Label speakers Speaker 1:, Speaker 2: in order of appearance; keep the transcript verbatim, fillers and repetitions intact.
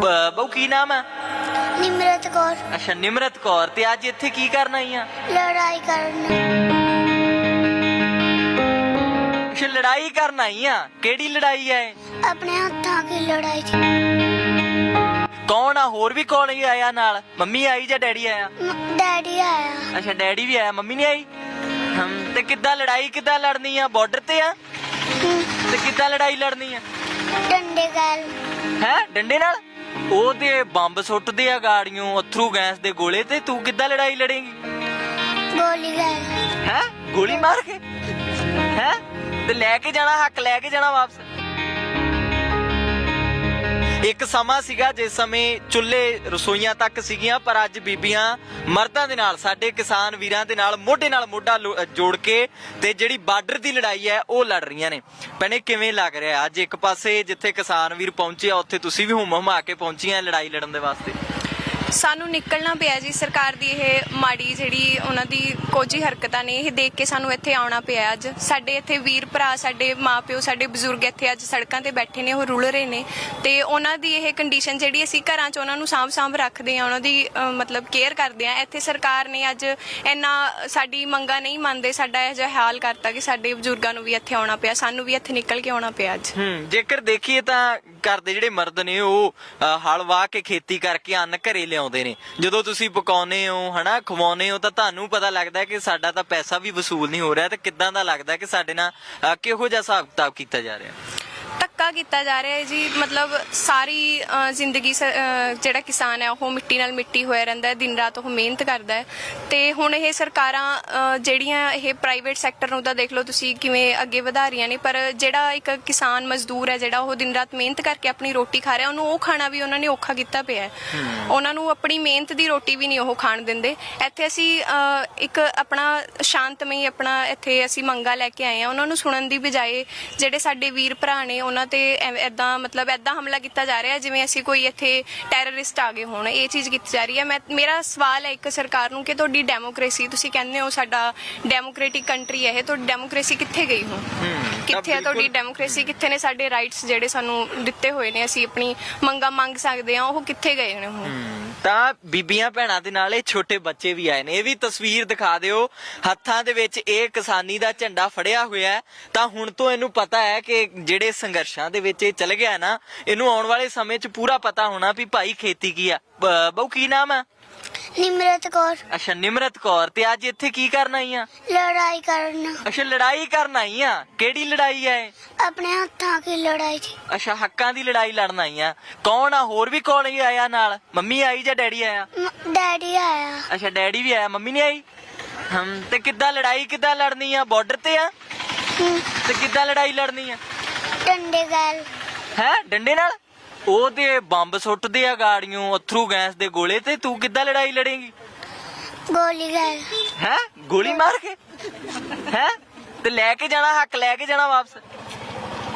Speaker 1: ਬਹੁ ਕੀ ਨਾਮ ਹੈ?
Speaker 2: ਨਿਮਰਤ ਕੌਰ।
Speaker 1: ਅੱਛਾ ਨਿਮਰਤ ਕੌਰ। ਤੇ ਅੱਜ ਇੱਥੇ ਕੀ ਕਰਨ ਆਈ ਆ?
Speaker 2: ਲੜਾਈ ਕਰਨ।
Speaker 1: ਅੱਛਾ ਲੜਾਈ ਕਰਨ ਆਈ ਆ। ਕਿਹੜੀ ਲੜਾਈ ਹੈ?
Speaker 2: ਆਪਣੇ ਹੱਥਾਂ ਦੀ ਲੜਾਈ।
Speaker 1: ਕੌਣ ਆ? ਹੋਰ ਵੀ ਕੌਣ ਆਇਆ ਨਾਲ? ਮੰਮੀ ਆਈ ਜਾਂ ਡੈਡੀ ਆਇਆ?
Speaker 2: ਡੈਡੀ ਆਇਆ।
Speaker 1: ਅੱਛਾ ਡੈਡੀ ਵੀ ਆਇਆ, ਮੰਮੀ ਨਹੀਂ ਆਈ। ਹਮ ਤੇ ਕਿੱਦਾਂ ਲੜਾਈ ਕਿੱਦਾਂ ਲੜਨੀ ਆ? ਬਾਰਡਰ ਤੇ ਆ ਤੇ ਕਿੱਦਾਂ ਲੜਾਈ ਲੜਨੀ ਆ?
Speaker 2: ਡੰਡੇ ਗਾਲ।
Speaker 1: ਹੈ ਡੰਡੇ ਨਾਲ? ਉਹਦੇ ਬੰਬ ਸੁੱਟਦੇ ਆ ਗਾੜੀਆਂ, ਅਥਰੂ ਗੈਸ ਦੇ ਗੋਲੇ, ਤੇ ਤੂੰ ਕਿੱਦਾਂ ਲੜਾਈ ਲੜੇਂਗੀ?
Speaker 2: ਗੋਲੀ ਗਾਲ।
Speaker 1: ਹੈ ਗੋਲੀ ਮਾਰ ਕੇ? ਹੈ ਤੇ ਲੈ ਕੇ ਜਾਣਾ, ਹੱਕ ਲੈ ਕੇ ਜਾਣਾ ਵਾਪਸ। ਇੱਕ ਸਮਾਂ ਸੀਗਾ ਜਿਸ ਸਮੇਂ ਚੁੱਲ੍ਹੇ ਰਸੋਈਆਂ ਤੱਕ ਸੀਗੀਆਂ, ਪਰ ਅੱਜ ਬੀਬੀਆਂ ਮਰਦਾਂ ਦੇ ਨਾਲ, ਸਾਡੇ ਕਿਸਾਨ ਵੀਰਾਂ ਦੇ ਨਾਲ ਮੋਢੇ ਨਾਲ ਮੋਢਾ ਜੋੜ ਕੇ ਤੇ ਜਿਹੜੀ ਬਾਰਡਰ ਦੀ ਲੜਾਈ ਹੈ ਉਹ ਲੜ ਰਹੀਆਂ ਨੇ। ਭੈਣੇ ਕਿਵੇਂ ਲੱਗ ਰਿਹਾ ਅੱਜ? ਇੱਕ ਪਾਸੇ ਜਿੱਥੇ ਕਿਸਾਨ ਵੀਰ ਪਹੁੰਚੇ ਆ, ਉੱਥੇ ਤੁਸੀਂ ਵੀ ਹੁਮ ਹੁਮਾ ਕੇ ਪਹੁੰਚੀਆਂ ਲੜਾਈ ਲੜਨ ਦੇ ਵਾਸਤੇ।
Speaker 3: ਸਾਨੂੰ ਨਿਕਲਣਾ ਪਿਆ ਜੀ। ਸਰਕਾਰ ਦੀ ਇਹ ਮਾੜੀ ਜਿਹੜੀ ਉਹਨਾਂ ਦੀ ਕੋਝੀ ਹਰਕਤਾਂ ਨੇ, ਇਹ ਦੇਖ ਕੇ ਸਾਨੂੰ ਇੱਥੇ ਆਉਣਾ ਪਿਆ। ਅੱਜ ਸਾਡੇ ਇੱਥੇ ਵੀਰ ਭਰਾ, ਸਾਡੇ ਮਾਪਿਓ, ਸਾਡੇ ਬਜ਼ੁਰਗ ਇੱਥੇ ਅੱਜ ਸੜਕਾਂ ਤੇ ਬੈਠੇ ਨੇ, ਉਹ ਰੁਲ ਰਹੇ ਨੇ। ਤੇ ਉਹਨਾਂ ਦੀ ਇਹ ਕੰਡੀਸ਼ਨ ਜਿਹੜੀ ਅਸੀਂ ਘਰਾਂ 'ਚ ਉਹਨਾਂ ਨੂੰ ਸਾਂਭ ਸਾਂਭ ਰੱਖਦੇ ਹਾਂ, ਉਹਨਾਂ ਦੀ ਮਤਲਬ ਕੇਅਰ ਕਰਦੇ ਹਾਂ। ਇੱਥੇ ਸਰਕਾਰ ਨੇ ਅੱਜ ਇੰਨਾ ਸਾਡੀ ਮੰਗਾਂ ਨਹੀਂ ਮੰਨਦੇ, ਸਾਡਾ ਇਹ ਜਿਹਾ ਹਾਲ ਕਰਤਾ ਕਿ ਸਾਡੇ ਬਜ਼ੁਰਗਾਂ ਨੂੰ ਵੀ ਇੱਥੇ ਆਉਣਾ ਪਿਆ, ਸਾਨੂੰ ਵੀ ਇੱਥੇ ਨਿਕਲ ਕੇ ਆਉਣਾ ਪਿਆ ਅੱਜ।
Speaker 1: ਹੂੰ ਜੇਕਰ ਦੇਖੀਏ ਤਾਂ ਘਰ ਦੇ ਜਿਹੜੇ ਮਰਦ ਨੇ ਉਹ ਹਲ ਵਾਹ ਕੇ ਖੇਤੀ ਕਰਕੇ ਅੰਨ ਘਰੇ ਲਿਆਉਂਦੇ ਨੇ। ਜਦੋਂ ਤੁਸੀਂ ਪਕਾਉਨੇ ਹੋ ਹਨਾ, ਖਵਾਉਨੇ ਹੋ, ਤਾਂ ਤੁਹਾਨੂੰ ਪਤਾ ਲੱਗਦਾ ਕਿ ਸਾਡਾ ਤਾਂ ਪੈਸਾ ਵੀ ਵਸੂਲ ਨਹੀਂ ਹੋ ਰਿਹਾ। ਤੇ ਕਿੱਦਾਂ ਦਾ ਲੱਗਦਾ ਕਿ ਸਾਡੇ ਨਾਲ ਕਿਹੋ ਜਿਹਾ ਹਿਸਾਬ ਕਿਤਾਬ ਕੀਤਾ ਜਾ ਰਿਹਾ?
Speaker 3: ਧੱਕਾ ਕੀਤਾ ਜਾ ਰਿਹਾ ਹੈ ਜੀ। ਮਤਲਬ ਸਾਰੀ ਜ਼ਿੰਦਗੀ ਜਿਹੜਾ ਕਿਸਾਨ ਹੈ ਉਹ ਮਿੱਟੀ ਨਾਲ ਮਿੱਟੀ ਹੋਇਆ ਰਹਿੰਦਾ ਹੈ, ਦਿਨ ਰਾਤ ਉਹ ਮਿਹਨਤ ਕਰਦਾ ਹੈ। ਤੇ ਹੁਣ ਇਹ ਸਰਕਾਰਾਂ ਜਿਹੜੀਆਂ ਇਹ ਪ੍ਰਾਈਵੇਟ ਸੈਕਟਰ ਨੂੰ ਤਾਂ ਦੇਖ ਲਓ ਤੁਸੀਂ ਕਿਵੇਂ ਅੱਗੇ ਵਧਾ ਰਹੀਆਂ ਨੇ, ਪਰ ਜਿਹੜਾ ਇੱਕ ਕਿਸਾਨ ਮਜ਼ਦੂਰ ਹੈ ਜਿਹੜਾ ਉਹ ਦਿਨ ਰਾਤ ਮਿਹਨਤ ਕਰਕੇ ਆਪਣੀ ਰੋਟੀ ਖਾ ਰਿਹਾ, ਉਹਨੂੰ ਉਹ ਖਾਣਾ ਵੀ ਉਹਨਾਂ ਨੇ ਔਖਾ ਕੀਤਾ ਪਿਆ ਹੈ। ਉਹਨਾਂ ਨੂੰ ਆਪਣੀ ਮਿਹਨਤ ਦੀ ਰੋਟੀ ਵੀ ਨਹੀਂ ਉਹ ਖਾਣ ਦਿੰਦੇ। ਇੱਥੇ ਅਸੀਂ ਇੱਕ ਆਪਣਾ ਸ਼ਾਂਤਮਈ ਆਪਣਾ ਇੱਥੇ ਅਸੀਂ ਮੰਗਾਂ ਲੈ ਕੇ ਆਏ ਹਾਂ। ਉਹਨਾਂ ਨੂੰ ਸੁਣਨ ਦੀ ਬਜਾਏ ਜਿਹੜੇ ਸਾਡੇ ਵੀਰ ਭਰਾ ਨੇ ਉਹਨਾਂ ਤੇ ਏਦਾਂ ਮਤਲਬ ਏਦਾਂ ਹਮਲਾ ਕੀਤਾ ਜਾ ਰਿਹਾ ਜਿਵੇਂ ਅਸੀਂ ਕੋਈ ਇੱਥੇ ਟੈਰਰਿਸਟ ਆ ਗਏ ਹੋਣ। ਇਹ ਚੀਜ਼ ਕੀਤੀ ਜਾ ਰਹੀ ਹੈ। ਮੈਂ ਮੇਰਾ ਸਵਾਲ ਹੈ ਇੱਕ ਸਰਕਾਰ ਨੂੰ ਕਿ ਤੁਹਾਡੀ ਡੈਮੋਕ੍ਰੇਸੀ, ਤੁਸੀਂ ਕਹਿੰਦੇ ਹੋ ਸਾਡਾ ਡੈਮੋਕ੍ਰੇਟਿਕ ਕੰਟਰੀ ਹੈ ਇਹ, ਤੁਹਾਡੀ ਡੈਮੋਕ੍ਰੇਸੀ ਕਿੱਥੇ ਗਈ ਹੁਣ? ਕਿੱਥੇ ਹੈ ਤੁਹਾਡੀ ਡੈਮੋਕ੍ਰੇਸੀ? ਕਿੱਥੇ ਨੇ ਸਾਡੇ ਰਾਈਟਸ ਜਿਹੜੇ ਸਾਨੂੰ ਦਿੱਤੇ ਹੋਏ ਨੇ, ਅਸੀਂ ਆਪਣੀ ਮੰਗਾਂ ਮੰਗ ਸਕਦੇ ਹਾਂ, ਉਹ ਕਿੱਥੇ ਗਏ ਨੇ ਹੁਣ?
Speaker 1: ਤਾਂ ਬੀਬੀਆਂ ਭੈਣਾਂ ਦੇ ਨਾਲ ਇਹ ਛੋਟੇ ਬੱਚੇ ਵੀ ਆਏ ਨੇ। ਇਹ ਵੀ ਤਸਵੀਰ ਦਿਖਾ ਦਿਓ। ਹੱਥਾਂ ਦੇ ਵਿੱਚ ਇਹ ਕਿਸਾਨੀ ਦਾ ਝੰਡਾ ਫੜਿਆ ਹੋਇਆ। ਤਾਂ ਹੁਣ ਤੋਂ ਇਹਨੂੰ ਪਤਾ ਹੈ ਕਿ ਜਿਹੜੇ ਸੰਘਰਸ਼ਾਂ ਦੇ ਵਿੱਚ ਇਹ ਚਲ ਗਿਆ ਨਾ, ਇਹਨੂੰ ਆਉਣ ਵਾਲੇ ਸਮੇਂ 'ਚ ਪੂਰਾ ਪਤਾ ਹੋਣਾ ਵੀ ਭਾਈ ਖੇਤੀ ਕੀ ਆ। ਬਹੁ ਕੀ ਨਾਮ ਹੈ?
Speaker 2: ਨਿਮਰਤ ਕੌਰ।
Speaker 1: ਅੱਛਾ ਨਿਮਰਤ ਕੌਰ। ਤੇ ਅੱਜ ਇੱਥੇ ਕੀ ਕਰਨ ਆਈ ਆ?
Speaker 2: ਲੜਾਈ ਕਰਨ।
Speaker 1: ਅੱਛਾ ਲੜਾਈ ਕਰਨ ਆਈ ਆ। ਕਿਹੜੀ ਲੜਾਈ ਹੈ?
Speaker 2: ਆਪਣੇ ਹੱਥਾਂ ਦੀ ਲੜਾਈ।
Speaker 1: ਅੱਛਾ ਹੱਕਾਂ ਦੀ ਲੜਾਈ ਲੜਨ ਆਈ ਆ। ਕੌਣ ਆ? ਹੋਰ ਵੀ ਕੌਣ ਆਇਆ ਨਾਲ? ਮੰਮੀ ਆਈ ਜਾਂ ਡੈਡੀ ਆਇਆ?
Speaker 2: ਡੈਡੀ ਆਇਆ।
Speaker 1: ਅੱਛਾ ਡੈਡੀ ਵੀ ਆਇਆ, ਮੰਮੀ ਨਹੀਂ ਆਈ। ਹਮ ਤੇ ਕਿੱਦਾਂ ਲੜਾਈ ਕਿੱਦਾਂ ਲੜਨੀ ਆ? ਬਾਰਡਰ ਤੇ ਆ ਤੇ ਕਿੱਦਾਂ ਲੜਾਈ ਲੜਨੀ ਆ?
Speaker 2: ਡੰਡੇ ਗਾਲ।
Speaker 1: ਹੈ ਡੰਡੇ ਨਾਲ? ਉਹਦੇ ਬੰਬ ਸੁੱਟਦੇ ਆ ਗਾੜੀਆਂ, ਅਥਰੂ ਗੈਸ ਦੇ ਗੋਲੇ, ਤੇ ਤੂੰ ਕਿੱਦਾਂ ਲੜਾਈ ਲੜੇਂਗੀ?
Speaker 2: ਗੋਲੀ ਗਾਲ।
Speaker 1: ਹੈ ਗੋਲੀ ਮਾਰ ਕੇ? ਹੈ ਤੇ ਲੈ ਕੇ ਜਾਣਾ, ਹੱਕ ਲੈ ਕੇ ਜਾਣਾ ਵਾਪਸ।